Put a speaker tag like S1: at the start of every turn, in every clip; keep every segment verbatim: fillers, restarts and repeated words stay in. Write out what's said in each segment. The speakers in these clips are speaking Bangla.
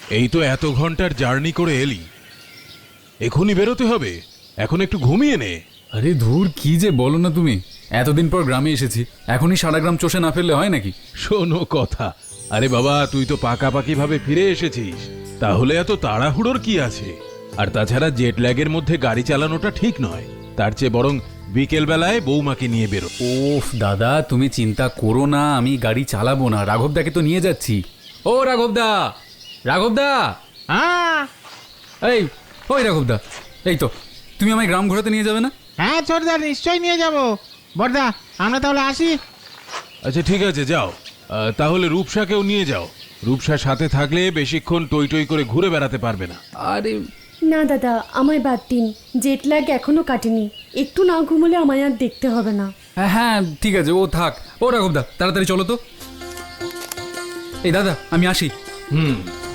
S1: এই তো এত ঘন্টার জার্নি করে এলি, এখনই বেরোতে হবে, এখন একটু ঘুমিয়ে নে।
S2: আরে ধুর, কি যে বলো না তুমি, এতদিন পর গ্রামে এসেছি, এখনই সারা গ্রাম চষে না ফেললে হয় নাকি?
S1: শোনো কথা, আরে বাবা তুই তো পাকাপাকি ভাবে ফিরে এসেছিস, তাহলে এত তাড়াহুড়োর কি আছে? আর তাছাড়া জেট ল্যাগের মধ্যে গাড়ি চালানোটা ঠিক নয়, তার চেয়ে বরং বিকেল বেলায় বৌমাকে নিয়ে বেরো।
S2: ওফ দাদা, তুমি চিন্তা করো না, আমি গাড়ি চালাবো না, রাঘবদাকে তো নিয়ে যাচ্ছি। ও রাঘবদা, রাঘবদা,
S3: হ্যাঁ
S2: এই ওই রাঘবদা, এই তো তুমি আমায় গ্রাম ঘোরাতে নিয়ে যাবে না?
S3: হ্যাঁ ছোটদা, নিশ্চয়ই নিয়ে যাব। বড়দা আমরা তাহলে আসি।
S1: আচ্ছা ঠিক আছে যাও, আহ, তাহলে রূপসাকেও নিয়ে যাও, রূপসার সাথে থাকলে বেশিক্ষণ টই টই করে ঘুরে বেড়াতে পারবে না।
S2: আরে
S4: না দাদা, আমায় বাদ দিন, জেট ল্যাগ এখনো কাটেনি, একটু না ঘুমোলে আমায় আর দেখতে হবে না।
S2: হ্যাঁ হ্যাঁ ঠিক আছে, ও থাক। ও রাঘবদা তাড়াতাড়ি চলো তো। এই দাদা আমি আসি।
S1: হুম।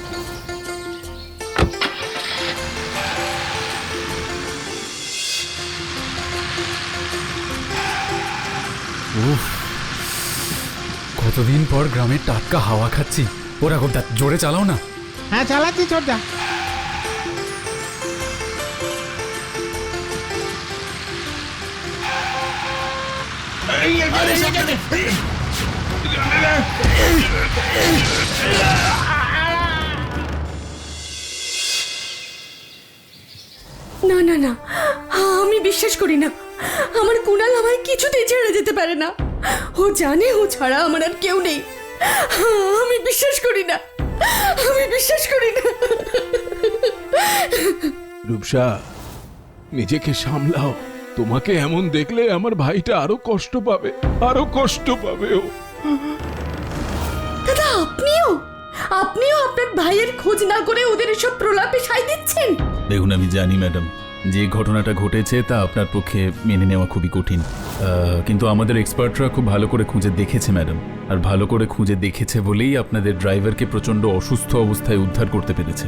S2: উফ, কতদিন পর গ্রামের টাটকা হাওয়া খাচ্ছি। ও রাঘবদা জোরে চালাও না।
S3: হ্যাঁ চালাচ্ছি ছোটদা।
S4: না না না, আমি বিশ্বাস করি না, আমার কুণাল আমায় কিছুতেই ছেড়ে যেতে পারে না। ও জানে ও ছাড়া আমার আর কেউ নেই। আমি বিশ্বাস করি না, আমি বিশ্বাস করি না।
S1: রূপসা, নিজেকে সামলাও, তোমাকে এমন দেখলে আমার ভাইটা আরো কষ্ট পাবে, আরো কষ্ট পাবে ও।
S4: দাদা আপনিও আপনিও আপনার ভাইয়ের খোঁজ না করে ওদের এসব প্রলাপে সায় দিচ্ছেন?
S5: দেখুন, আমি জানি ম্যাডাম, যে ঘটনাটা ঘটেছে তা আপনার পক্ষে মেনে নেওয়া খুবই কঠিন, আহ, কিন্তু আমাদের এক্সপার্টরা খুব ভালো করে খুঁজে দেখেছে ম্যাডাম, আর ভালো করে খুঁজে দেখেছে বলেই আপনাদের ড্রাইভারকে প্রচণ্ড অসুস্থ অবস্থায় উদ্ধার করতে পেরেছে।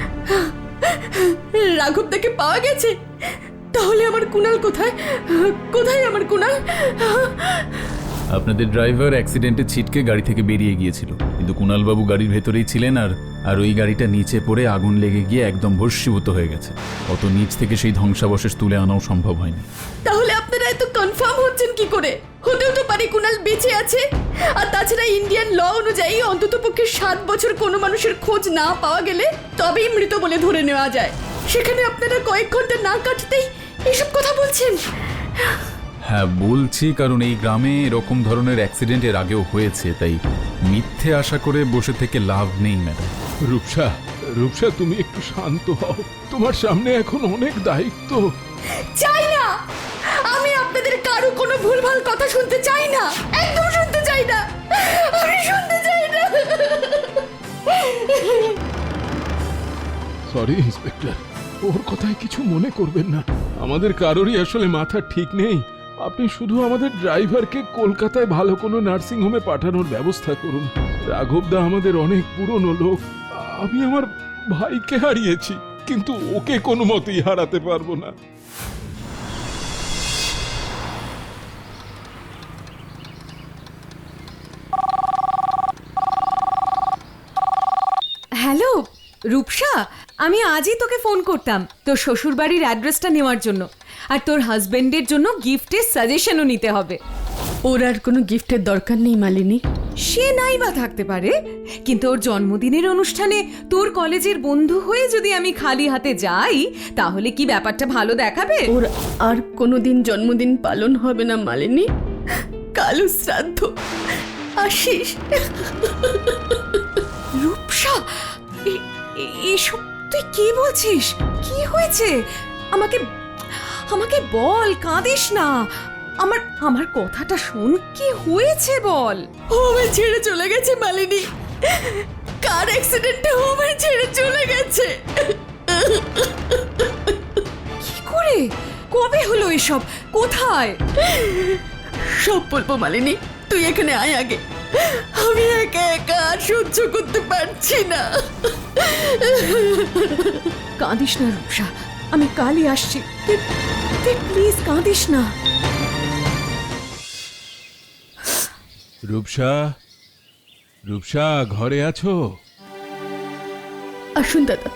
S4: রাঘবদাকে পাওয়া গেছে? তাহলে আমার কুণাল কোথায়? কোথায় আমার কুণাল?
S5: আপনাদের ড্রাইভার অ্যাক্সিডেন্টে ছিটকে গাড়ি থেকে বেরিয়ে গিয়েছিল, কিন্তু কুণালবাবু গাড়ির ভেতরেই ছিলেন, আর আর ওই গাড়িটা নিচে পড়ে আগুন লেগে গিয়ে একদম ভস্মীভূত হয়ে গেছে। অত নিচ থেকে সেই ধ্বংসাবশেষ তুলে আনাও সম্ভব হয়নি।
S4: তাহলে আপনারা এত কনফার্ম হচ্ছেন কি করে? হতেও তো পারে কুণাল বেঁচে আছে, আর তাছাড়া ইন্ডিয়ান ল অনুযায়ী অন্তত পক্ষে সাত বছর কোনো মানুষের খোঁজ না পাওয়া গেলে তবেই মৃত বলে ধরে নেওয়া যায়। সেখানে আপনারা কয়েক ঘন্টা না কাটতেই এসব কথা বলছেন?
S5: হ্যাঁ বলছি, কারণ এই গ্রামে এরকম ধরনের অ্যাক্সিডেন্ট এর আগেও হয়েছে, তাই মিথ্যে আশা করে বসে থেকে লাভ নেই ম্যাডাম।
S1: রূপসা, রূপসা তুমি একটু শান্ত হও, তোমার সামনে এখন অনেক দায়িত্ব।
S4: চাই না, আমি আপনাদের কারো কোনো ভুলভাল কথা শুনতে চাই না, একদম শুনতে চাই না, আমি শুনতে চাই না।
S1: সরি ইন্সপেক্টর, ওর কথায় কিছু মনে করবেন না, আমাদের কারোরই আসলে মাথা ঠিক নেই। আপনি শুধু আমাদের ড্রাইভারকে কলকাতায় ভালো কোনো নার্সিং হোমে পাঠানোর ব্যবস্থা করুন। রাঘবদা আমাদের অনেক পুরনো লোক, আমি আমার ভাইকে হারিয়েছি, কিন্তু ওকে কোনো মতেই হারাতে পারবো না।
S6: হ্যালো রূপসা, আমি আজই তোকে ফোন করতাম তোর শ্বশুরবাড়ির অ্যাড্রেসটা নেওয়ার জন্য, আর তোর হাজবেন্ডের জন্য গিফটের সাজেশনও নিতে হবে।
S4: ওর আর কোনো গিফটের দরকার নেই মালিনী।
S6: সে নাই বা থাকতে পারে, কিন্তু ওর জন্মদিনের অনুষ্ঠানে তোর কলেজের বন্ধু হয়ে যদি আমি খালি হাতে যাই তাহলে কি ব্যাপারটা ভালো দেখাবে?
S4: ওর আর কোনোদিন জন্মদিন পালন হবে না মালিনী, কালু শ্রাদ্ধ। আশিস,
S6: রূপসা, এ- এ- এসব তুই কি বলছিস? কি হয়েছে? আমাকে আমাকে বল, কাঁদিস না, আমার আমার কথাটা শোন, কি হয়েছে বল।
S4: ও আমায় ছেড়ে চলে গেছে মালিনী, কার অ্যাক্সিডেন্টে ও আমায় ছেড়ে চলে গেছে।
S6: কি করে? কবে হলো এসব? কোথায়?
S4: সব বলবো মালিনী, তুই এখানে আয় আগে, আমি একা একা আর সহ্য করতে পারছি না।
S6: কাঁদিস না রূপসা, আমি কালই আসছি, তুই তুই প্লিজ কাঁদিস না।
S1: রূপসা, রূপসা ঘরে আছো?
S4: আসুন দাদা।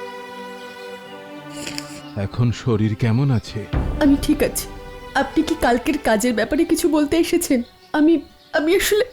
S1: এখন শরীর কেমন আছে?
S4: আমি ঠিক আছি। আপনি কি কালকের কাজের ব্যাপারে কিছু বলতে এসেছেন? আমি আমি আসলে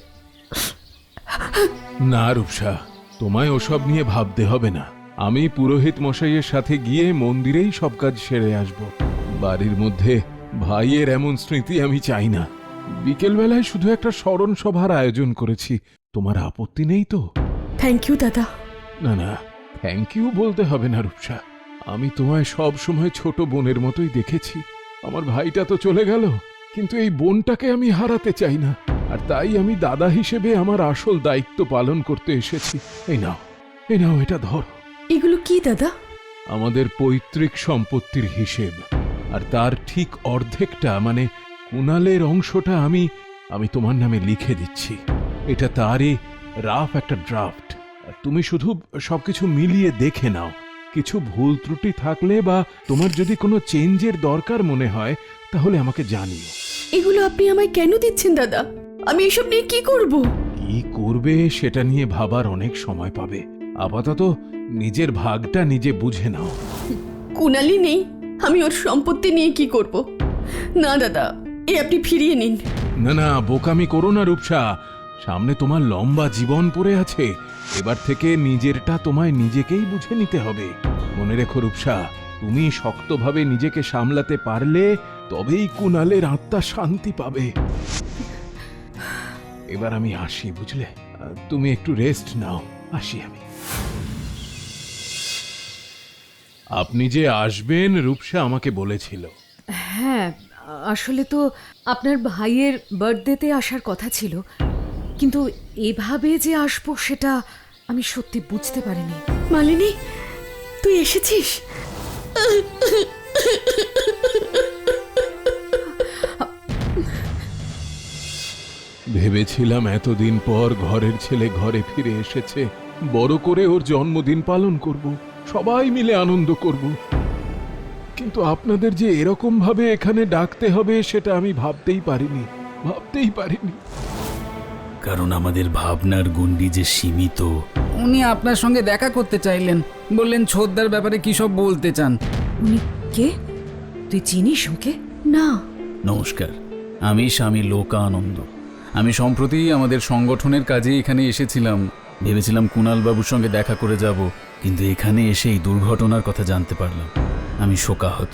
S1: না রূপসা, তোমায় ওসব নিয়ে ভাবতে হবে না। আমি পুরোহিত মশাইয়ের সাথে গিয়ে মন্দিরেই সব কাজ সেরে আসব। বাড়ির মধ্যে ভাইয়ের এমন স্মৃতি আমি চাই না। বিকেলবেলায় শুধু একটা স্মরণ সভার আয়োজন করেছি। তোমার আপত্তি নেই তো?
S4: থ্যাংক ইউ দাদা।
S1: না না, থ্যাংক ইউ বলতে হবে না রূপসা। আমি তোমায় সব সময় ছোট বোনের মতোই দেখেছি। আমার ভাইটা তো চলে গেল, কিন্তু এই বোনটাকে আমি হারাতে চাই না। আর তাই আমি দাদা হিসেবে আমার আসল দায়িত্ব পালন করতে এসেছি। এই নাও, এই নাও, এটা ধরো।
S4: এগুলো কি দাদা?
S1: আমাদের পৈতৃক সম্পত্তির হিসেব, আর তার ঠিক অর্ধেকটা মানে কুণালের অংশটা আমি আমি তোমার নামে লিখে দিচ্ছি। এটা তারই রাফ একটা ড্রাফট। তুমি শুধু সবকিছু মিলিয়ে দেখে নাও। কিছু ভুল ত্রুটি থাকলে বা তোমার যদি কোনো চেঞ্জের দরকার মনে হয় তাহলে আমাকে জানিও।
S4: এগুলো আপনি আমায় কেন দিচ্ছেন দাদা? আমি এসব নিয়ে কি করব?
S1: কি করবে সেটা নিয়ে ভাবার অনেক সময় পাবে। আপাতত নিজের ভাগটা নিজে বুঝে নাও।
S4: কুণালি নেই, আমি ওর সম্পত্তি নিয়ে কি করব? না দাদা, এ আপনি ফিরিয়ে নিন।
S1: না না, বোকামি করো না রূপসা। সামনে তোমার লম্বা জীবন পড়ে আছে। এবার থেকে নিজেরটা তোমায় নিজেকেই বুঝে নিতে হবে। মনে রেখো রূপসা, তুমি শক্তভাবে নিজেকে সামলাতে পারলে তবেই কুণালের আত্মা শান্তি পাবে। এবার আমি আসি, বুঝলে? তুমি একটু রেস্ট নাও, আসি আমি। আপনি যে আসবেন রূপসা আমাকে বলেছিল।
S6: হ্যাঁ, আসলে তো আপনার ভাইয়ের বার্থডেতে আসার কথা ছিল, কিন্তু এভাবে যে আসবো সেটা আমি সত্যি বুঝতে পারিনি।
S4: মালিনী, তুই এসেছিস?
S1: ভেবেছিলাম এতদিন পর ঘরের ছেলে ঘরে ফিরে এসেছে, বড় করে ওর জন্মদিন পালন করব, সবাই মিলে আনন্দ করব। কিন্তু আপনাদের যে এরকম ভাবে এখানে ডাকতে হবে সেটা আমি ভাবতেই পারিনি, ভাবতেই পারিনি।
S5: কারণ আমাদের ভাবনার গণ্ডি যে সীমিত।
S2: উনি আপনার সঙ্গে দেখা করতে চাইলেন, বললেন ছোদ্দার ব্যাপারে কি সব বলতে চান।
S6: উনি কে? তুই চিনিস ওকে?
S4: না।
S5: নমস্কার, আমি স্বামী লোকানন্দ। আমি সম্প্রতি আমাদের সংগঠনের কাজে এখানে এসেছিলাম। ভেবেছিলাম কুণাল বাবুর সঙ্গে দেখা করে যাব, কিন্তু এখানে এসে এই দুর্ঘটনার কথা জানতে পারলাম। আমি শোকাহত।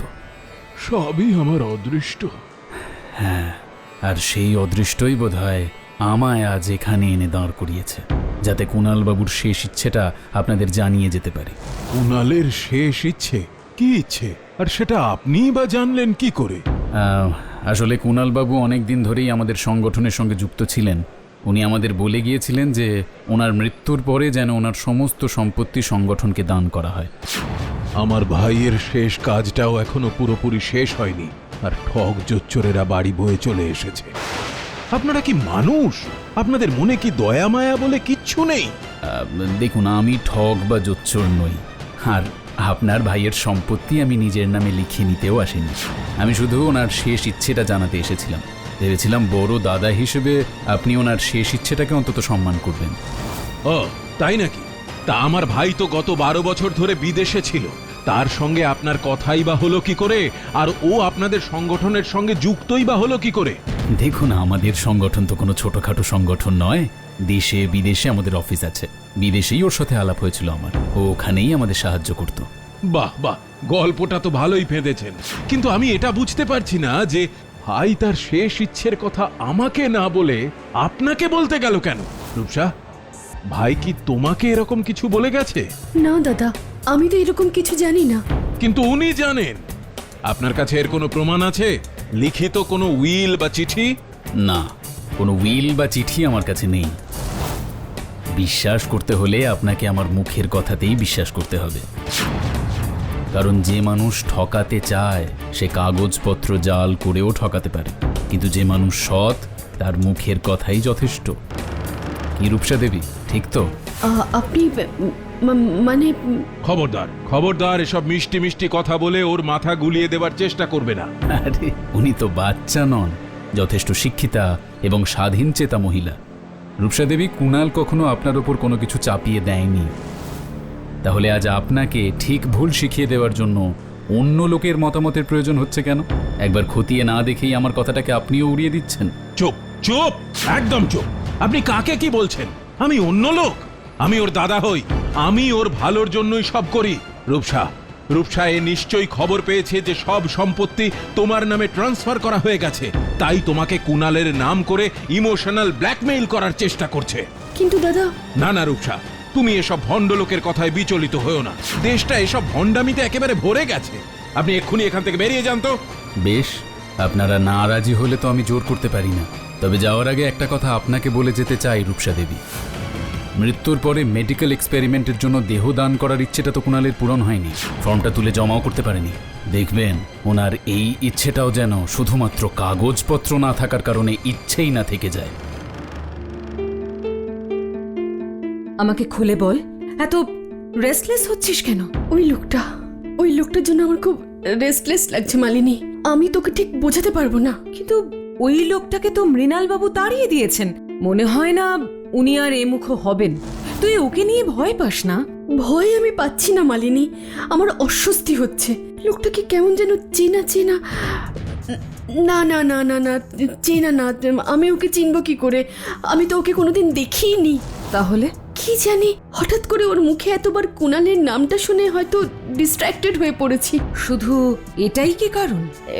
S1: সবই আমার অদৃষ্ট।
S5: হ্যাঁ, আর সেই অদৃষ্টই বোধহয় আমায় আজ এখানে এনে দাঁড় করিয়েছে, যাতে কুণাল বাবুর শেষ ইচ্ছেটা আপনাদের জানিয়ে যেতে পারি।
S1: কুণালের শেষ ইচ্ছে কি ইচ্ছে, আর সেটা আপনিই বা জানলেন কি করে?
S5: আহ, আসলে কুণাল বাবু অনেক দিন ধরেই আমাদের সংগঠনের সঙ্গে যুক্ত ছিলেন। উনি আমাদের বলে গিয়েছিলেন যে ওনার মৃত্যুর পরে যেন ওনার সমস্ত সম্পত্তি সংগঠনকে দান করা হয়।
S1: আমার ভাইয়ের শেষ কাজটাও এখনো পুরোপুরি শেষ হয়নি, আর ঠক জোচ্চোরেরা বাড়ি বয়ে চলে এসেছে। আপনারা কি মানুষ? আপনাদের মনে কি দয়া মায়া বলে কিচ্ছু নেই?
S5: আহ, দেখুন, আমি ঠগ বা জোচ্চোর নই, আর আপনার ভাইয়ের সম্পত্তি আমি নিজের নামে লিখিয়ে নিতেও আসিনি। আমি শুধু ওনার শেষ ইচ্ছেটা জানাতে এসেছিলাম। ভেবেছিলাম বড় দাদা হিসেবে আপনি ওনার শেষ ইচ্ছেটাকে অন্তত সম্মান করবেন।
S1: ও তাই নাকি? তা আমার ভাই তো গত বারো বছর ধরে বিদেশে ছিল, তার সঙ্গে আপনার কথাই বা হলো কি করে? আর ও আপনাদের সংগঠনের সঙ্গে যুক্তই বা হলো কি করে?
S5: দেখুন, আমাদের সংগঠন তো কোনো ছোটখাটো সংগঠন নয়। দেশে বিদেশে আমাদের অফিস আছে। বিদেশেই ওর সাথে আলাপ হয়েছিল আমার, ও ওখানেই আমাদের সাহায্য করত।
S1: বাহ বাহ, গল্পটা তো ভালোই ফেঁদেছেন, কিন্তু আমি এটা বুঝতে পারছি না যে ভাই তার শেষ ইচ্ছের কথা আমাকে না বলে আপনাকে বলতে গেল কেন? রূপসা, ভাই কি তোমাকে এরকম কিছু বলে গেছে?
S4: না দাদা, আমি তো এরকম কিছু জানি না।
S1: কিন্তু উনি জানেন। আপনার কাছে এর কোনো প্রমাণ আছে? লিখিত কোনো উইল বা চিঠি?
S5: না, কোনো উইল বা চিঠি আমার কাছে নেই। বিশ্বাস করতে হলে আপনাকে আমার মুখের কথাতেই বিশ্বাস করতে হবে। কারণ যে মানুষ ঠকাতে চায় সে কাগজপত্র জাল করেও ঠকাতে পারে, কিন্তু যে মানুষ সৎ তার মুখের কথাই যথেষ্ট। কি রূপসা দেবী, ঠিক তো?
S4: আ- আপনি ম- মানে
S1: খবরদার, খবরদার, এসব মিষ্টি মিষ্টি কথা বলে ওর মাথা গুলিয়ে দেবার চেষ্টা করবে না।
S5: আরে, উনি তো বাচ্চা নন, যথেষ্ট শিক্ষিতা এবং স্বাধীন চেতা মহিলা। রূপসা দেবী, কুণাল কখনো আপনার ওপর কোনো কিছু চাপিয়ে দেয়নি।
S2: তাহলে আজ আপনাকে ঠিক ভুল শিখিয়ে দেওয়ার জন্য অন্য লোকের মতামতের প্রয়োজন হচ্ছে কেন? একবার খতিয়ে না দেখেই আমার কথাটাকে আপনিও উড়িয়ে দিচ্ছেন।
S1: চুপ চুপ, একদম চুপ। আপনি কাকে কি বলছেন? আমি অন্য লোক? আমি ওর দাদা হই, আমি ওর ভালোর জন্যই সব করি। রূপসা, রূপসা এ নিশ্চয়ই খবর পেয়েছে যে সব সম্পত্তি তোমার নামে ট্রান্সফার করা হয়ে গেছে, তাই তোমাকে কুণালের নাম করে ইমোশনাল ব্ল্যাকমেইল করার চেষ্টা করছে।
S4: কিন্তু দাদা,
S1: না না রূপসা, তুমি এসব ভণ্ড লোকের কথায় বিচলিত হয়েও না। দেশটা এসব ভণ্ডামিতে একেবারে ভরে গেছে। আপনি এক্ষুনি এখান থেকে বেরিয়ে যান তো।
S2: বেশ, আপনারা না রাজি হলে তো আমি জোর করতে পারি না। তবে যাওয়ার আগে একটা কথা আপনাকে বলে যেতে চাই রূপসা দেবী, মৃত্যুর পরে মেডিকেল এক্সপেরিমেন্টের জন্য দেহ দান করার ইচ্ছেটা তো কুণালের পূরণ হয়নি, ফর্মটা তুলে জমাও করতে পারেনি। দেখবেন ওনার এই ইচ্ছেটাও যেন শুধুমাত্র কাগজপত্র না থাকার কারণে ইচ্ছেই না থেকে যায়।
S6: আমাকে খুলে বল, এত রেস্টলেস হচ্ছিস কেন?
S4: ওই লোকটা, ওই লোকটার জন্য আমার খুব রেস্টলেস লাগছে মালিনী। আমি তোকে ঠিক বোঝাতে পারবো না।
S6: কিন্তু ওই লোকটাকে তো মৃণাল বাবু তাড়িয়ে দিয়েছেন, মনে হয় না উনি আর এমুখো হবেন। তুই ওকে নিয়ে ভয় পাস না?
S4: ভয় আমি পাচ্ছি না মালিনী, আমার অস্বস্তি হচ্ছে। লোকটাকে কেমন যেন চেনা চেনা। না না না না না, চেনা না। আমি ওকে চিনব কি করে? আমি তো ওকে কোনোদিন দেখিনি।
S6: তাহলে
S4: কি জানি, হঠাৎ করে ওর মুখে এতবার কুণালের নামটা শুনে হয়তো ডিস্ট্র্যাক্টেড হয়ে পড়েছি।
S6: শুধু এটাই কি কারণ?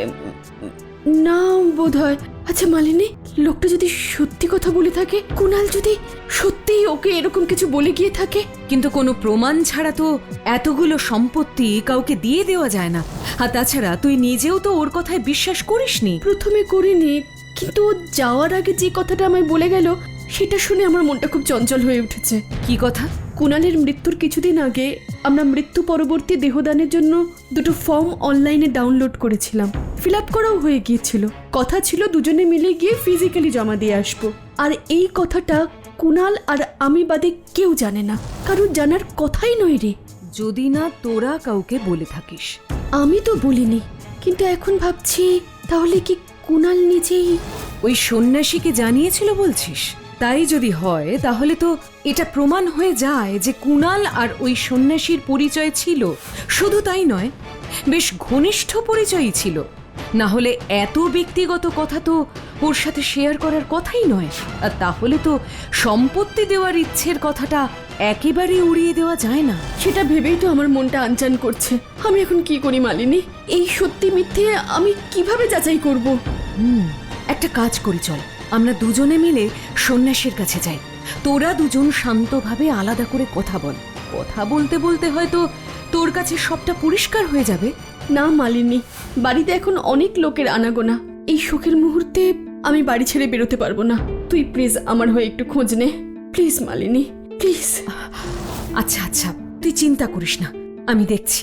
S4: না বোধ হয়। আচ্ছা মালিনী, লোকটা যদি সত্যি কথা বলে থাকে, কুণাল যদি সত্যিই ওকে এরকম কিছু বলে গিয়ে থাকে।
S6: কিন্তু কোনো প্রমাণ ছাড়া তো এতগুলো সম্পত্তি কাউকে দিয়ে দেওয়া যায় না। আর তাছাড়া তুই নিজেও তো ওর কথায় বিশ্বাস করিসনি।
S4: প্রথমে করিনি, কিন্তু ও যাওয়ার আগে যে কথাটা আমায় বলে গেল, সেটা শুনে আমার মনটা খুব চঞ্চল হয়ে উঠেছে।
S6: কি কথা?
S4: কুণালের মৃত্যুর কিছুদিন আগে আমরা মৃত্যু পরবর্তী দেহদানের জন্য দুটো ফর্ম অনলাইনে ডাউনলোড করেছিলাম। ফিল আপ করাও হয়ে গিয়েছিল। কথা ছিল দুজনে মিলে গিয়ে ফিজিক্যালি জমা দিয়ে আসবো। আর এই কথাটা কুণাল আর আমি বাদে কেউ জানে না, কারণ জানার কথাই নয় রে।
S6: যদি না তোরা কাউকে বলে থাকিস।
S4: আমি তো বলিনি, কিন্তু এখন ভাবছি তাহলে কি কুণাল নিজেই
S6: ওই সন্ন্যাসীকে জানিয়েছিল বলছিস? তাই যদি হয় তাহলে তো এটা প্রমাণ হয়ে যায় যে কুণাল আর ওই সন্ন্যাসীর পরিচয় ছিল। শুধু তাই নয়, বেশ ঘনিষ্ঠ পরিচয়ই ছিল। না হলে এত ব্যক্তিগত কথা তো ওর সাথে শেয়ার করার কথাই নয়। আর তাহলে তো সম্পত্তি দেওয়ার ইচ্ছের কথাটা একেবারে উড়িয়ে দেওয়া যায় না।
S4: সেটা ভেবেই তো আমার মনটা আনচান করছে। আমি এখন কি করি মালিনী? এই সত্যি মিথ্যে আমি কিভাবে যাচাই করব?
S6: হুম একটা কাজ করি, চল আমরা দুজনে মিলে সন্ন্যাসীর কাছে যাই। তোরা দুজন শান্তভাবে আলাদা করে কথা বল। কথা বলতে বলতে হয়তো তোর কাছে সবটা পরিষ্কার হয়ে যাবে।
S4: না মালিনী, বাড়িতে এখন অনেক লোকের আনাগোনা। এই শোকের মুহূর্তে আমি বাড়ি ছেড়ে বেরোতে পারবো না। তুই প্লিজ আমার হয়ে একটু খোঁজ নে, প্লিজ মালিনী, প্লিজ।
S6: আচ্ছা আচ্ছা, তুই চিন্তা করিস না, আমি দেখছি।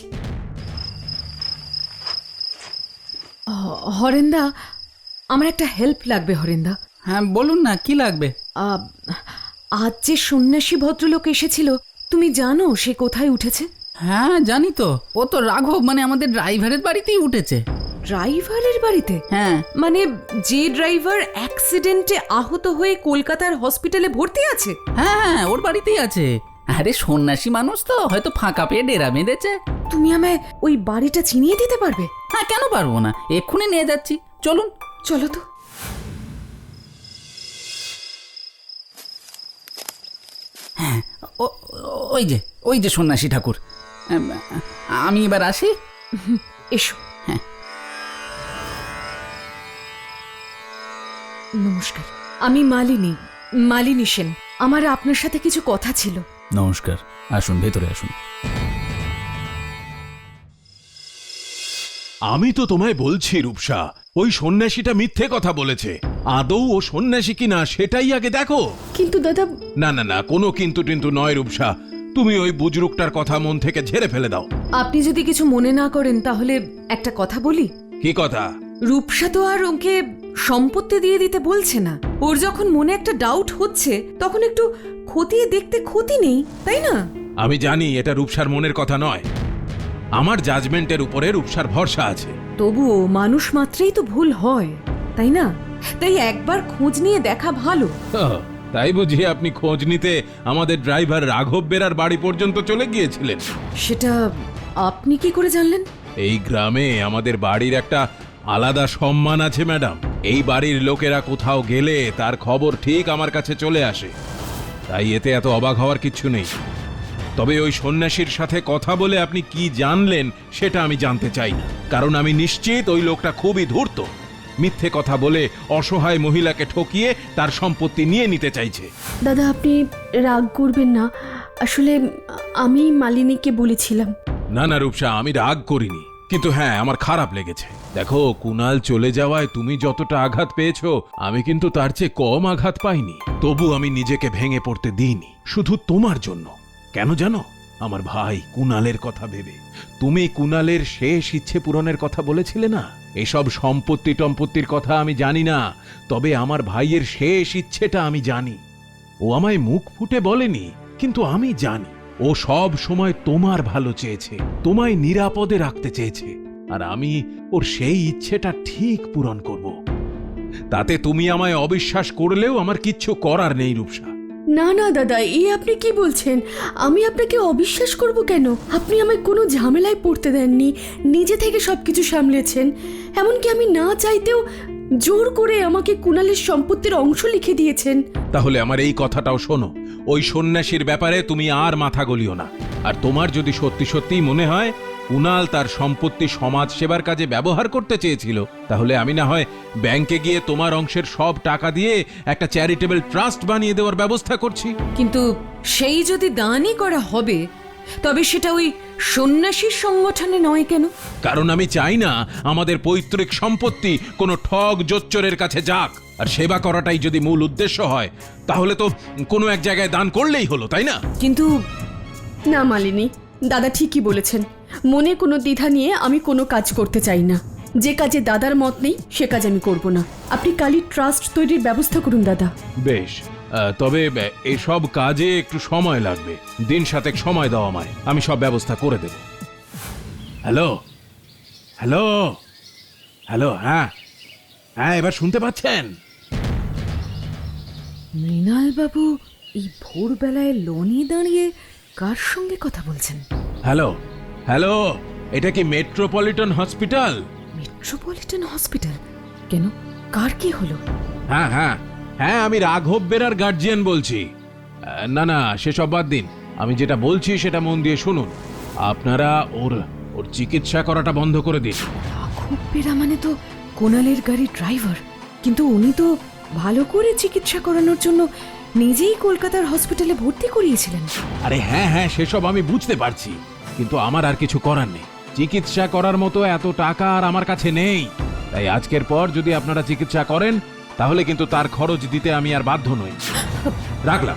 S6: হরেন্দা, আমার একটা হেল্প লাগবে। হরেন্দা,
S2: হ্যাঁ বলুন না, কি লাগবে?
S6: আহ, আজ যে সন্ন্যাসী ভদ্রলোক এসেছিল, তুমি জানো সে কোথায় উঠেছে?
S7: হ্যাঁ জানি তো, ও তো রাঘব মানে আমাদের ড্রাইভারের বাড়িতেই উঠেছে।
S6: ড্রাইভারের বাড়িতে?
S7: হ্যাঁ।
S6: মানে যে ড্রাইভার অ্যাক্সিডেন্টে আহত হয়ে কলকাতার হসপিটালে ভর্তি আছে?
S7: হ্যাঁ হ্যাঁ ওর বাড়িতেই আছে। আরে সন্ন্যাসী মানুষ তো, হয়তো ফাঁকা পেয়ে ডেরা বেঁধেছে।
S6: তুমি আমায় ওই বাড়িটা চিনিয়ে দিতে পারবে?
S7: হ্যাঁ কেন পারবো না, এক্ষুনি নিয়ে যাচ্ছি, চলুন।
S6: চলো তো।
S7: হ্যাঁ ও- ওই যে ওই যে সন্ন্যাসী ঠাকুর। আম, আমি এবার আসি।
S6: এসো।
S7: হ্যাঁ।
S6: নমস্কার, আমি মালিনী, মালিনী সেন। আমার আপনার সাথে কিছু কথা ছিল।
S5: নমস্কার, আসুন ভেতরে আসুন।
S1: আমি তো তোমায় বলছি রূপসা, ওই সন্ন্যাসীটা মিথ্যে কথা বলেছে। আদৌ ও সন্ন্যাসী কিনা সেটাই আগে দেখো।
S4: কিন্তু দাদা,
S1: না না না, কোনো কিন্তু টিন্তু নয় রূপসা। তুমি ওই বুজরুকটার কথা মন থেকে ঝেড়ে ফেলে দাও।
S6: আপনি যদি কিছু মনে না করেন তাহলে একটা কথা বলি।
S1: কি কথা?
S6: রূপসা তো আর ওকে সম্পত্তি দিয়ে দিতে বলছে না। ওর যখন মনে একটা ডাউট হচ্ছে, তখন একটু খতিয়ে দেখতে ক্ষতি নেই, তাই না?
S1: আমি জানি এটা রূপসার মনের কথা নয়। আমার জাজমেন্টের উপরে রূপসার ভরসা আছে।
S6: তবুও মানুষ মাত্রেই তো ভুল হয়, তাই না? তাই একবার খোঁজ নিয়ে দেখা ভালো।
S1: আহ, তাই বুঝি আপনি খোঁজ নিতে আমাদের ড্রাইভার রাঘব বেরার বাড়ি পর্যন্ত চলে গিয়েছিলেন?
S6: সেটা আপনি কি করে জানলেন?
S1: এই গ্রামে আমাদের বাড়ির একটা আলাদা সম্মান আছে ম্যাডাম। এই বাড়ির লোকেরা কোথাও গেলে তার খবর ঠিক আমার কাছে চলে আসে, তাই এতে এত অবাক হওয়ার কিছু নেই। তবে ওই সন্ন্যাসীর সাথে কথা বলে আপনি কি জানলেন সেটা আমি জানতে চাই না, কারণ আমি নিশ্চিত ওই লোকটা খুবই ধূর্ত। মিথ্যে কথা বলে অসহায় মহিলাকে ঠকিয়ে তার সম্পত্তি নিয়ে নিতে চাইছে।
S4: দাদা আপনি রাগ করবেন না, আসলে আমি মালিনীকে বলেছিলাম।
S1: না না রূপসা, আমি রাগ করিনি, কিন্তু হ্যাঁ আমার খারাপ লেগেছে। দেখো, কুনাল চলে যাওয়ায় তুমি যতটা আঘাত পেয়েছো আমি কিন্তু তার চেয়ে কম আঘাত পাইনি। তবু আমি নিজেকে ভেঙে পড়তে দিইনি, শুধু তোমার জন্য। কেন জানো? আমার ভাই কুনালের কথা ভেবে। তুমি কুনালের শেষ ইচ্ছে পূরণের কথা বলেছিলে না? এসব সম্পত্তি টম্পত্তির কথা আমি জানি না, তবে আমার ভাইয়ের শেষ ইচ্ছেটা আমি জানি। ও আমায় মুখ ফুটে বলেনি, কিন্তু আমি জানি ও সব সময় তোমার ভালো চেয়েছে, তোমায় নিরাপদে রাখতে চেয়েছে, আর আমি ওর সেই ইচ্ছেটা ঠিক পূরণ করব। তাতে তুমি আমায় অবিশ্বাস করলেও আমার কিচ্ছু করার নেই রূপসা।
S4: না না দাদা, এই আপনি কি বলছেন? আমি আপনাকে অবিশ্বাস করব কেন? আপনি আমায় কোনো ঝামেলায় পড়তে দেননি, নিজে থেকে সবকিছু সামলেছেন। এমনকি আমি না চাইতেও জোর করে আমাকে কুনালের সম্পত্তির অংশ লিখে দিয়েছেন।
S1: তাহলে আমার এই কথাটাও শোনো, ওই সন্ন্যাসীর ব্যাপারে তুমি আর মাথা গলিও না। আর তোমার যদি সত্যি সত্যি মনে হয় কুনাল তার সম্পত্তি সমাজ সেবার কাজে ব্যবহার করতে চেয়েছিল, তাহলে আমি না হয় ব্যাংকে গিয়ে তোমার অংশের সব টাকা দিয়ে একটা চ্যারিটেবল ট্রাস্ট বানিয়ে দেওয়ার ব্যবস্থা করছি।
S6: কিন্তু সেই যদি দানই করা হবে, তবে সেটা ওই সন্ন্যাসীর সংগঠনে নয় কেন?
S1: কারণ আমি চাই না আমাদের পৈতৃক সম্পত্তি কোনো ঠগ জোচ্চরের কাছে যাক। আর সেবা করাটাই যদি মূল উদ্দেশ্য হয়, তাহলে তো কোনো এক জায়গায় দান করলেই হলো, তাই না?
S6: কিন্তু
S4: না মালিনী, দাদা ঠিকই বলেছেন। মনে কোনো দ্বিধা নিয়ে আমি কোনো কাজ করতে চাই না। যে কাজে দাদার মত নেই সে কাজ আমি করব না। আপনি কালই ট্রাস্ট তৈরির ব্যবস্থা করুন দাদা।
S1: বেশ, আহ, তবে আহ, এসব কাজে একটু সময় লাগবে। দিন সাতেক সময় দাও আমায়, আমি সব ব্যবস্থা করে দেব। হ্যালো হ্যালো হ্যালো হ্যাঁ হ্যাঁ এবার শুনতে পাচ্ছেন?
S6: মৃণাল বাবু এই ভোরবেলায় লনে দাঁড়িয়ে কার সঙ্গে কথা বলছেন?
S1: হ্যালো হ্যালো এটা কি মেট্রোপলিটন হসপিটাল?
S6: Metropolitan hospital? কেন, কার কি হলো?
S1: হ্যাঁ হ্যাঁ হ্যাঁ আমি রাঘব বেরার গার্জিয়ান বলছি। আহ, না না সেসব বাদ দিন, আমি যেটা বলছি সেটা মন দিয়ে শুনুন। আপনারা ওর ওর চিকিৎসা করাটা বন্ধ করে দিন।
S6: রাঘব বেরা মানে তো কোনালের গাড়ির ড্রাইভার, কিন্তু উনি তো ভালো করে চিকিৎসা করানোর জন্য নিজেই কলকাতার হসপিটালে ভর্তি করিয়েছিলেন।
S1: আরে হ্যাঁ হ্যাঁ সেসব আমি বুঝতে পারছি, কিন্তু আমার আর কিছু করার নেই। চিকিৎসা করার মতো এত টাকা আর আমার কাছে নেই। তাই আজকের পর যদি আপনারা চিকিৎসা করেন, তাহলে কিন্তু তার খরচ দিতে আমি আর বাধ্য নই। রাখলাম।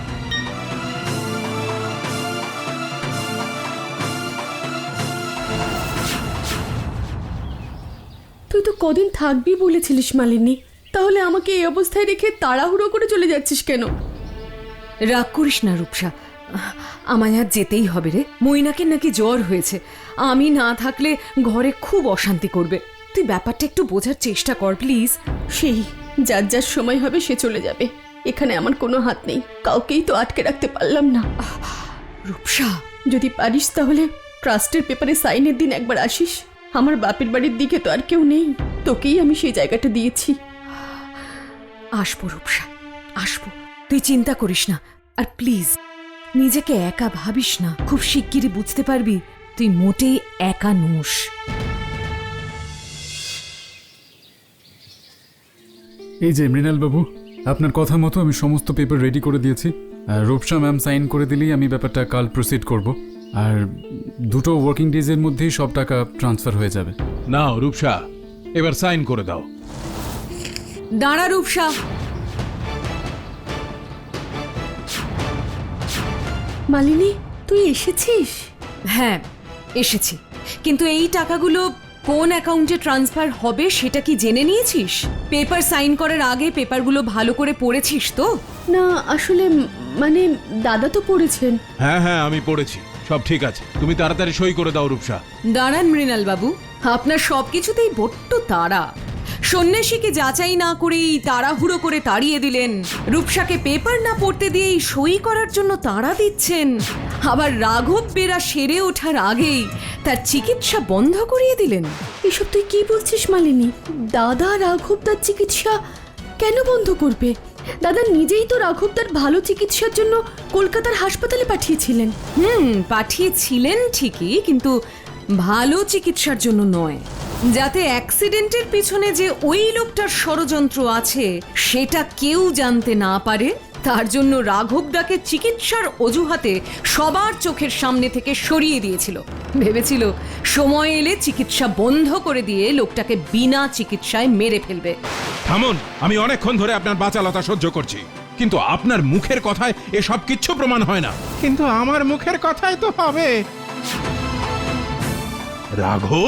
S4: তুই তো কদিন থাকবি বলেছিলিস মালিনী, তাহলে আমাকে এই অবস্থায় রেখে তাড়াহুড়ো করে চলে যাচ্ছিস কেন?
S6: রাগ করিস না রূপসা, আমায় আর যেতেই হবে রে। মইনাকে নাকি জ্বর হয়েছে, আমি না থাকলে ঘরে খুব অশান্তি করবে। তুই ব্যাপারটা একটু বোঝার চেষ্টা কর প্লিজ।
S4: সেই যার যার সময় হবে সে চলে যাবে, এখানে আমার কোনো হাত নেই। কাউকেই তো আটকে রাখতে পারলাম না।
S6: রূপসা,
S4: যদি পারিস তাহলে ট্রাস্টের পেপারে সাইনের দিন একবার আসিস। আমার বাপের বাড়ির দিকে তো আর কেউ নেই, তোকেই আমি সেই জায়গাটা দিয়েছি।
S6: আসবো রূপসা, আসবো, তুই চিন্তা করিস না। আর প্লিজ নিজেকে একা ভাবিস না, খুব শিগগিরই বুঝতে পারবি তুই মোটেই একা নোস।
S2: এই যে মৃণাল বাবু, আপনার কথা মতো আমি সমস্ত পেপার রেডি করে দিয়েছি। আর রূপসা ম্যাম সাইন করে দিলেই আমি ব্যাপারটা কাল প্রসিড করব। আর দুটো ওয়ার্কিং ডেজের মধ্যেই সব টাকা ট্রান্সফার হয়ে যাবে।
S1: নাও রূপসা, এবার সাইন করে দাও।
S6: দাঁড়া রূপসা,
S4: মালিনী তুই এসেছিস?
S6: হ্যাঁ এসেছি, কিন্তু এই টাকাগুলো কোন অ্যাকাউন্টে ট্রান্সফার হবে সেটা কি জেনে নিয়েছিস? পেপার সাইন করার আগে পেপারগুলো ভালো করে পড়েছিস তো?
S4: না আসলে উম, মানে দাদা তো পড়েছেন।
S1: হ্যাঁ হ্যাঁ আমি পড়েছি, সব ঠিক আছে। তুমি তাড়াতাড়ি সই করে দাও রূপসা।
S6: দাঁড়ান মৃণাল বাবু, আপনার সব কিছুতেই বড্ড তাড়া। সন্ন্যাসীকে যাচাই না করেই তাড়াহুড়ো করে তাড়িয়ে দিলেন, রূপসাকে পেপার না পড়তে দিয়েই সই করার জন্য তাড়া দিচ্ছেন, আবার রাঘব বেরা সেরে ওঠার আগেই তার চিকিৎসা বন্ধ করিয়ে দিলেন।
S4: এসব তুই কি বলছিস মালিনী? দাদা রাঘবদার চিকিৎসা কেন বন্ধ করবে? দাদা নিজেই তো রাঘবদার ভালো চিকিৎসার জন্য কলকাতার হাসপাতালে পাঠিয়েছিলেন।
S6: হুম, পাঠিয়েছিলেন ঠিকই, কিন্তু ভালো চিকিৎসার জন্য নয়। যাতে অ্যাক্সিডেন্টের পিছনে যে ওই লোকটার ষড়যন্ত্র আছে সেটা কেউ জানতে না পারে, তার জন্য রাঘবদাকে চিকিৎসার অজুহাতে সবার চোখের সামনে থেকে সরিয়ে দিয়েছিল। ভেবেছিল সময় এলে চিকিৎসা বন্ধ করে দিয়ে লোকটাকে বিনা চিকিৎসায় মেরে ফেলবে।
S1: থামুন, আমি অনেকক্ষণ ধরে আপনার বাচালতা সহ্য করছি, কিন্তু আপনার মুখের কথায় এসব কিচ্ছু প্রমাণ হয় না।
S3: কিন্তু আমার মুখের কথাই তো হবে।
S1: রাঘব,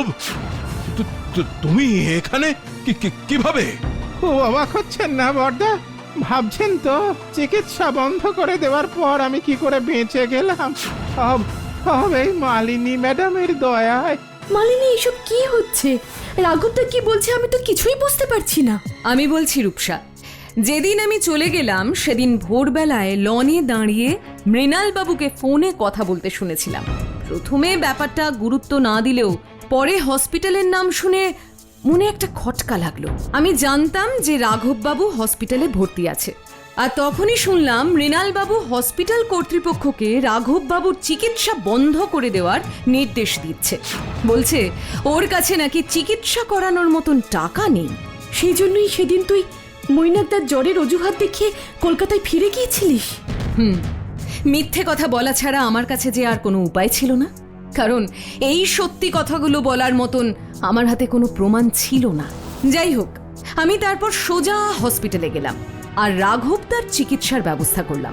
S1: তু- তু- তুমি এখানে কি- কি- কিভাবে?
S3: খুব অবাক হচ্ছেন না বর্দা? ভাবছেন তো চিকিৎসা বন্ধ করে দেওয়ার পর আমি কি করে বেঁচে গেলাম? সব সব এই মালিনী ম্যাডামের দয়ায়।
S4: মালিনী, এসব কি হচ্ছে? রাঘবদা কি বলছে আমি তো কিছুই বুঝতে পারছি না।
S6: আমি বলছি রূপসা, যেদিন আমি চলে গেলাম সেদিন ভোরবেলায় লনে দাঁড়িয়ে মৃণাল বাবুকে ফোনে কথা বলতে শুনেছিলাম। প্রথমে ব্যাপারটা গুরুত্ব না দিলেও পরে হসপিটালের নাম শুনে মনে একটা খটকা লাগলো। আমি জানতাম যে রাঘব বাবু হসপিটালে ভর্তি আছে, আর তখনই শুনলাম মৃণাল বাবু হসপিটাল কর্তৃপক্ষকে রাঘব বাবুর চিকিৎসা বন্ধ করে দেওয়ার নির্দেশ দিচ্ছে। বলছে ওর কাছে নাকি চিকিৎসা করানোর মতন টাকা নেই।
S4: সেই জন্যই সেদিন তুই মৈনাকদার জ্বরের অজুহাত দেখিয়ে কলকাতায় ফিরে গিয়েছিলিস।
S6: হুম, মিথ্যে কথা বলা ছাড়া আমার কাছে যে আর কোনো উপায় ছিল না, কারণ এই সত্যি কথাগুলো বলার মতন আমার হাতে কোনো প্রমাণ ছিল না। যাই হোক, আমি তারপর সোজা হসপিটালে গেলাম আর রাঘবদার চিকিৎসার ব্যবস্থা করলাম।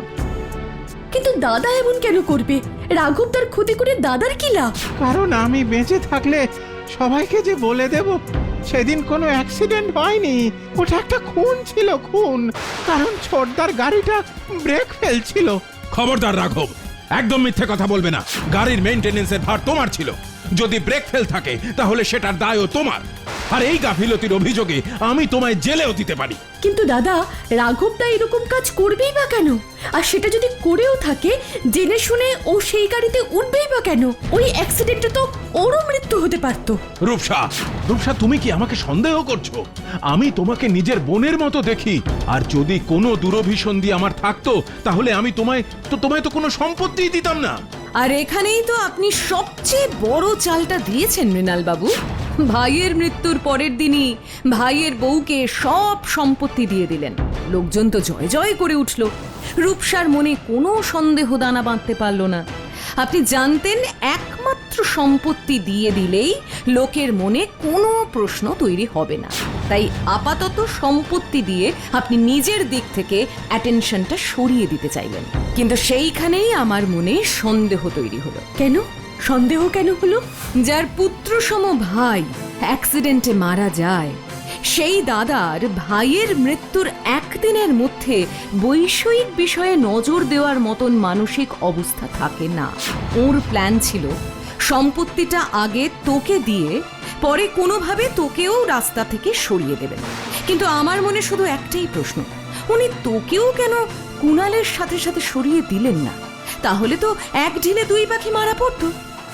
S4: কিন্তু দাদা এমন কেন করবে? রাঘবদার ক্ষতি করে দাদার কি লাভ?
S3: কারণ আমি বেঁচে থাকলে সবাইকে যে বলে দেব সেদিন কোনো অ্যাক্সিডেন্ট হয়নি, ওটা একটা খুন ছিল, খুন। কারণ ছোটদার গাড়িটা ব্রেক ফেলছিল।
S1: খবরদার রাঘব, একদম মিথ্যে কথা বলবে না। গাড়ির মেইনটেনেন্সের ভার তোমার ছিল। যদি ব্রেক ফেল থাকে তাহলে সেটার দায়ও তোমার। আর এই গাফিলতির অভিযোগে আমি তোমায় জেলেও দিতে পারি।
S4: কিন্তু দাদা, রাঘবদা এরকম কাজ করবেই বা কেন? আর সেটা যদি করেও থাকে, জেনে শুনে ও সেই গাড়িতে উঠবেই বা কেন? ওই অ্যাক্সিডেন্টে তো ওরও মৃত্যু হতে পারতো।
S1: রূপসা, রূপসা, তুমি কি আমাকে সন্দেহ করছো? আমি তোমাকে নিজের বোনের মতো দেখি। আর যদি কোনো দুরভিসন্ধি আমার থাকতো তাহলে আমি তোমায় তো তোমায় তো কোনো সম্পত্তিই দিতাম না।
S6: আর এখানেই তো আপনি সবচেয়ে বড় চালটা দিয়েছেন মৃণাল বাবু। ভাইয়ের মৃত্যুর পরের দিনই ভাইয়ের বউকে সব সম্পত্তি দিয়ে দিলেন। লোকজন তো জয় জয় করে উঠল। রূপসার মনে কোনো সন্দেহ দানা বাঁধতে পারল না। আপনি জানতেন একমাত্র সম্পত্তি দিয়ে দিলেই লোকের মনে কোনো প্রশ্ন তৈরি হবে না, তাই আপাতত সম্পত্তি দিয়ে আপনি নিজের দিক থেকে অ্যাটেনশনটা সরিয়ে দিতে চাইলেন। কিন্তু সেইখানেই আমার মনে সন্দেহ তৈরি হলো।
S4: কেন সন্দেহ কেন হলো?
S6: যার পুত্রসম ভাই অ্যাক্সিডেন্টে মারা যায়, সেই দাদার ভাইয়ের মৃত্যুর একদিনের মধ্যে বৈষয়িক বিষয়ে নজর দেওয়ার মতন মানসিক অবস্থা থাকে না। ওর প্ল্যান ছিল সম্পত্তিটা আগে তোকে দিয়ে পরে কোনোভাবে তোকেও রাস্তা থেকে সরিয়ে দেবেন। কিন্তু আমার মনে শুধু একটাই প্রশ্ন, উনি তোকেও কেন কুণালের সাথে সাথে সরিয়ে দিলেন না? তাহলে তো এক ঢিলে দুই পাখি মারা পড়তো।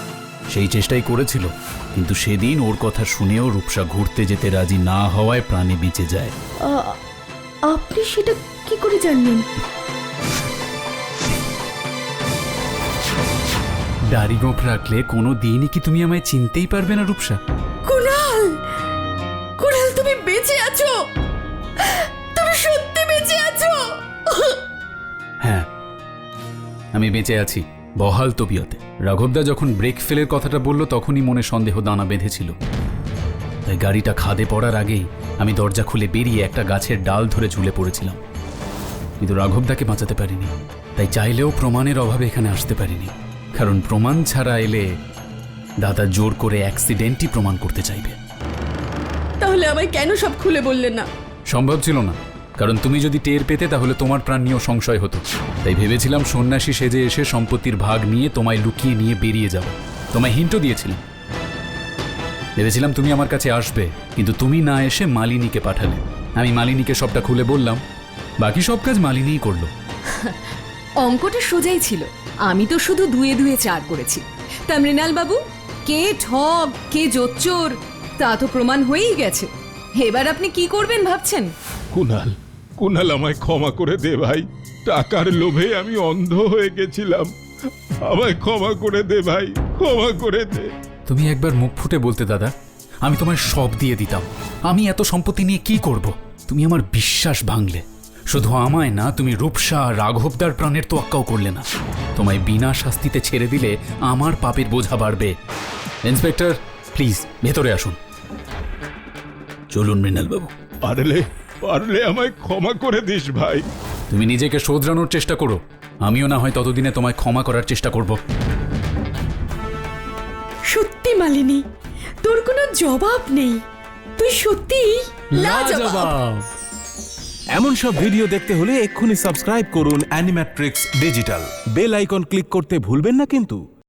S2: সেই চেষ্টাই করেছিল, কিন্তু সেদিন ওর কথা শুনেও রূপসা ঘুরতে যেতে রাজি না হওয়ায় প্রাণে বেঁচে যায়।
S4: আ- আপনি সেটা কি করে জানলেন?
S2: দাড়ি গোঁফ রাখলে কোনো দিনই কি তুমি আমায় চিনতেই পারবে না রূপসা?
S4: কুণাল, কুণাল, তুমি বেঁচে আছো? তুমি সত্যি বেঁচে আছো?
S2: হ্যাঁ, আমি বেঁচে আছি, বহাল তবিয়তে। রাঘবদা যখন ব্রেক ফেলের কথাটা বলল তখনই মনে সন্দেহ দানা বেঁধেছিল। তাই গাড়িটা খাদে পড়ার আগেই আমি দরজা খুলে বেরিয়ে একটা গাছের ডাল ধরে ঝুলে পড়েছিলাম। কিন্তু রাঘবদাকে বাঁচাতে পারিনি। তাই চাইলেও প্রমাণের অভাবে এখানে আসতে পারিনি, কারণ প্রমাণ ছাড়া এলে দাদা জোর করে অ্যাক্সিডেন্টই প্রমাণ করতে চাইবে।
S4: তাহলে আমায় কেন সব খুলে বললেন না?
S2: সম্ভব ছিল না, কারণ তুমি যদি টের পেতে তাহলে তোমার প্রাণ নিয়েও সংশয় হতো। তাই ভেবেছিলাম সন্ন্যাসী সেজে এসে সম্পত্তির ভাগ নিয়ে তোমায় লুকিয়ে নিয়ে বেরিয়ে যাব। তোমায় হিন্টও দিয়েছিলাম। ভেবেছিলাম তুমি আমার কাছে আসবে, কিন্তু তুমি না এসে মালিনীকে পাঠালে। আমি মালিনীকে সবটা খুলে বললাম, বাকি সব কাজ মালিনীই করলো।
S6: অঙ্কটা সোজাই ছিল, আমি তো শুধু দুয়ে দুয়ে চার করেছি। তা মৃণাল বাবু, কে ঠগ কে জোচ্চোর তা তো প্রমাণ হয়েই গেছে। এবার আপনি কি করবেন ভাবছেন?
S1: কুনাল, কুনাল আমায় ক্ষমা করে দে ভাই। টাকার লোভে আমি অন্ধ হয়ে গেছিলাম। আমায় ক্ষমা করে দে ভাই, ক্ষমা করে দে।
S2: তুমি একবার মুখ ফুটে বলতে দাদা, আমি তোমায় সব দিয়ে দিতাম। আমি এত সম্পত্তি নিয়ে কি করব? তুমি আমার বিশ্বাস ভাঙলে। শুধু আমায় না, তুমি রূপসা রাঘবদার প্রাণের তোয়াক্কাও করলে না। তোমায় বিনা শাস্তিতে ছেড়ে দিলে আমার পাপের বোঝা বাড়বে। ইন্সপেক্টর, প্লিজ ভেতরে আসুন। চলুন মৃণালবাবু।
S1: পারলে পারলে আমায় ক্ষমা করে দিস ভাই।
S2: তুমি নিজেকে শোধরানোর চেষ্টা করো, আমিও না হয় ততদিনে তোমায় ক্ষমা করার চেষ্টা করব।
S4: সত্যি মালিনী, তোর কোনো জবাব নেই। তুই সত্যিই লাজবাব।
S8: এমন সব ভিডিও দেখতে হলে এক্ষুনি সাবস্ক্রাইব করুন Animatrix digital. Bell icon click করতে ভুলবেন না কিন্তু।